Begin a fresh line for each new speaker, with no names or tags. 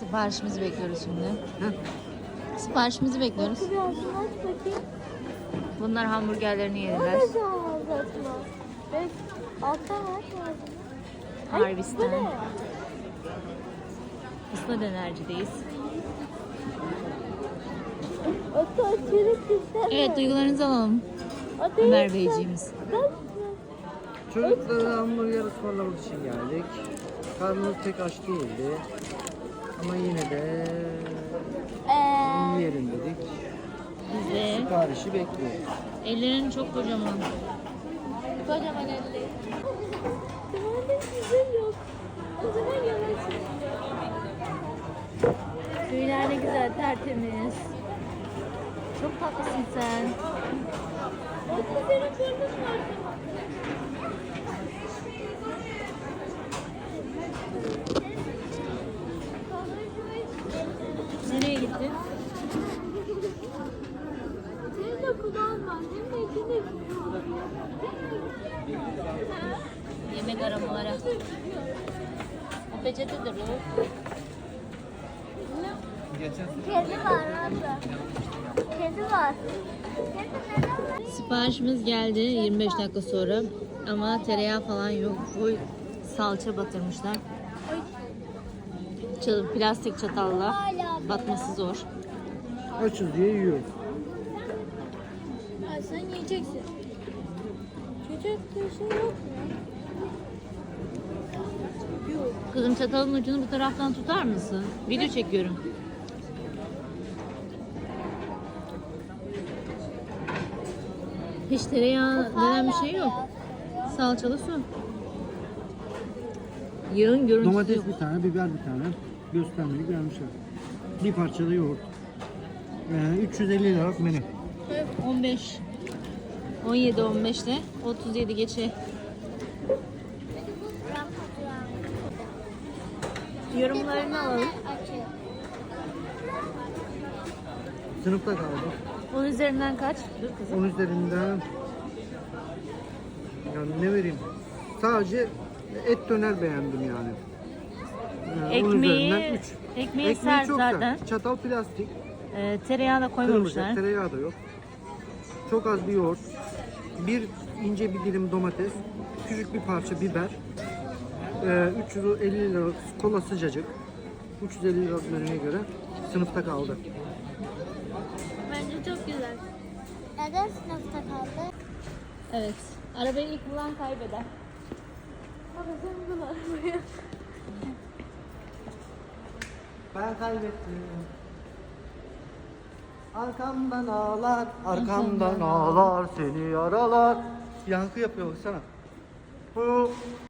Siparişimizi bekliyoruz şimdi. Siparişimizi bekliyoruz.
Biraz aç bakayım.
Bunlar hamburgerlerini yediler.
Nasıl anlatma? Evet, alttan aç ağzını. Ay,
Harbistan.
bu ne?
Isla dönercideyiz.
Ata açarı güzel.
Evet, duygularınızı alalım.
Ata
Ömer
yoksa-
Beyciğimiz.
Çocuklara hamburger ısmarlamak için geldik. Karnımız pek aç değildi. Ama yine de yiyelim dedik.
Biz de
Siparişi bekliyoruz.
ellerin çok kocaman.
Kocaman elli. Tamam güzel yok. O zaman yavaş.
Tüyler ne güzel, tertemiz. Çok tatlısın sen.
Ata senin burnun var.
Nereye gittin?
Senin de kulağın var. Senin de içinde
Yemek aramalara. O peçetedir o.
Kedi var abla. Kedi var. Kedi neden var?
Siparişimiz geldi 25 dakika sonra ama tereyağı falan yok. Full salça batırmışlar. Plastik çatalla batması zor.
Açız diye yiyoruz.
Ay sen yiyeceksin. Çocuk bir şey yok mu? Yok.
Kızım çatalın ucunu bu taraftan tutar mısın? Video çekiyorum. Hiç tereyağı denen bir şey yok. Salçalı su. Yağın görüntüsü
Domates
yok.
bir tane, biber bir tane. Göstermelik vermişler. Bir parçada yoğurt. 350 liralık menü.
15 17 15'te 37 geçe. Yorumlarını alalım.
Açıyor.
Sınıfta kaldı.
10 üzerinden kaç? Dur kızım.
10 üzerinden yani ne vereyim? Sadece et döner beğendim yani. 10 üzerinden 3.
Ekmeği sert
çok
zaten.
sert. Çatal plastik.
Tereyağı da koymamışlar.
Kırılacak. Tereyağı da yok. Çok az bir yoğurt. Bir ince bir dilim domates. Küçük bir parça biber. 350 liralık kola sıcacık. 350 liralık menüye göre sınıfta kaldı.
Bence çok güzel. Neden sınıfta kaldı?
Evet. Arabayı ilk bulan kaybeder.
Baba sen bunu arabaya.
Ben kaybettim. Arkamdan ağlar, arkamdan ağlar seni yaralar. Yankı yapıyor baksana. Bu